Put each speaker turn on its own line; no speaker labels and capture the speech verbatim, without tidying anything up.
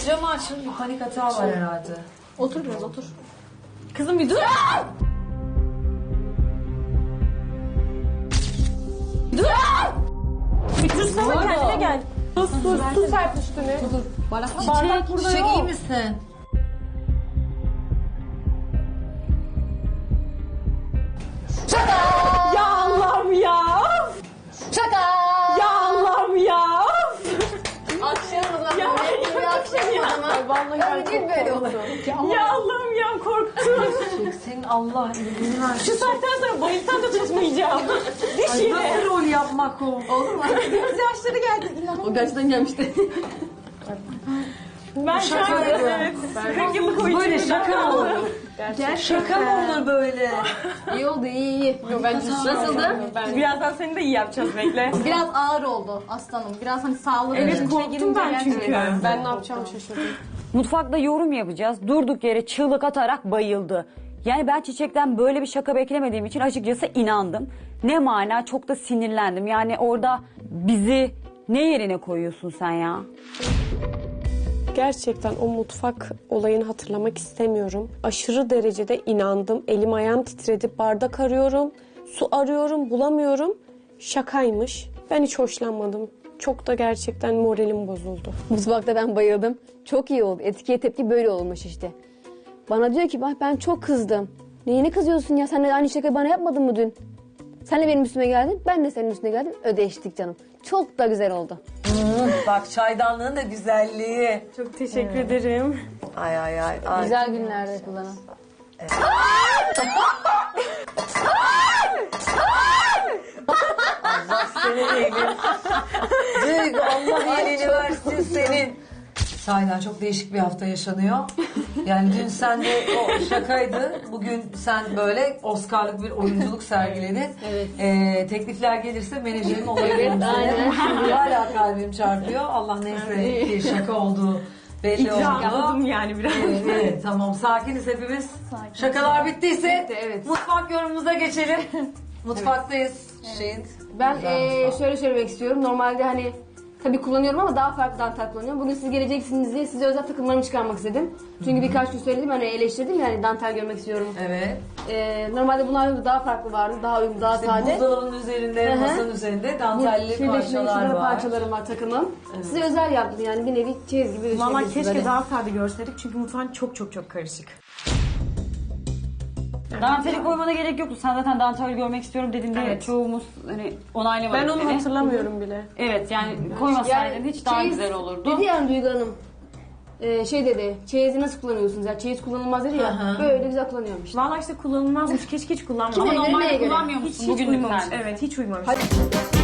camı açın. Bir panik hata var herhalde.
Otur biraz otur. Kızım bir dur. Dur. Bir dursana kendine gel. Sus sus su sert üstüne.
Dur dur. Bardak,
Bardak burada
çiçek
yok.
iyi misin?
Ya Allah'ım ya.
Şaka!
Ya Allah'ım ya.
Akşam o zaman.
Ya,
Bir akşam o zaman.
Vallahi
Öyle değil böyle olur.
Ya Allah'ım ya korktum.
Senin Allah iyiliğini versin.
Şu saatten sonra bayıltan da tutmayacağım.
Ay,
Dişiyle.
nasıl rol yapmak o?
Olur mu? Göz yaşları geldi. O gerçekten gelmişti.
Ben
Şaka
şaka
yapıyorum.
evet. kırk yıllık oyuncuyum.
Böyle şaka mı olur?
Gerçekten.
Şaka mı olur böyle?
İyi oldu iyi iyi. Yo, bence nasıldı?
Birazdan seni de iyi yapacağız bekle.
Biraz ağır oldu aslanım. Biraz hani sağlığı
Evet,
içine
korktum
girince
ben çünkü.
gerçekten-
Ben ne yapacağımı şaşırdım.
Mutfakta yorum yapacağız. Durduk yere çığlık atarak bayıldı. Yani ben Çiçek'ten böyle bir şaka beklemediğim için açıkçası inandım. Ne mana, çok da sinirlendim. Yani orada bizi ne yerine koyuyorsun sen ya?
Gerçekten o mutfak olayını hatırlamak istemiyorum. Aşırı derecede inandım. Elim ayağım titredi. Bardak arıyorum, su arıyorum, bulamıyorum. Şakaymış. Ben hiç hoşlanmadım. Çok da gerçekten moralim bozuldu.
Mutfakta ben bayıldım. Çok iyi oldu. Etkiye tepki böyle olmuş işte. Bana diyor ki bak ben çok kızdım. Neyine kızıyorsun ya? Sen de aynı şakayı bana yapmadın mı dün? Sen de benim üstüme geldin. Ben de senin üstüne geldim. Ödeştik canım. Çok da güzel oldu.
Bak çaydanlığın da güzelliği.
Çok teşekkür ederim.
Ay ay ay. ay.
Güzel günlerde kullanan.
Allah senin iyiliğini. Duygu Allah iyiliğini versin senin. Sahiden çok değişik bir hafta yaşanıyor. Yani dün sen de o şakaydı. Bugün sen böyle Oscar'lık bir oyunculuk sergiledin.
Evet.
Ee, teklifler gelirse menajerin olabilir.
Evet, aynen.
Hala kalbim çarpıyor. Allah neyse ki şaka olduğu belli oldu.
Rahatladım yani biraz.
Evet, evet, tamam sakiniz hepimiz. Şakalar bittiyse
evet.
mutfak yorumumuza geçelim. Mutfaktayız. Şeyin.
Ben
Güzel
eee,
mutfak.
şöyle söylemek istiyorum. Normalde hani tabii kullanıyorum ama daha farklı dantel kullanıyorum. Bugün siz geleceksiniz diye size özel takımlarımı çıkarmak istedim. Çünkü birkaç gün söyledim hani eleştirdim yani dantel görmek istiyorum.
Evet.
Eee, normalde bunlar daha farklı vardı. Daha uyumlu, daha
İşte
sade.
buzdolabının üzerinde,
Hı hı.
masanın üzerinde dantelli
Şurada
parçalar
şurada
var.
parçalarım var takımım. Size özel yaptım yani bir nevi çeyiz gibi
Valla
düşünebilirsiniz
keşke
hani.
daha sade görseydik çünkü mutfağın çok çok çok karışık.
Danteli koymana gerek yoktu. Sen zaten dantel görmek istiyorum dediğinde
Evet.
çoğumuz hani onaylamadık
Ben onu
seni.
hatırlamıyorum bile.
Evet yani koymasaydın hiç daha
çeyiz
güzel olurdu.
Dedi yani Duygu Hanım. Ee, şey dedi, çeyizi nasıl kullanıyorsunuz ya? Çeyiz kullanılmaz dedi ya.
Hı hı.
Böyle güzel kullanıyormuş.
Valla işte kullanılmazmış. Keşke hiç kullanmadım.
Kime
Ama
göre,
normalde
neye göre?
kullanmıyor
Hiç,
musun?
hiç
Bugünlük
uymamış.
sen.
Evet hiç uymamış.
Hadi.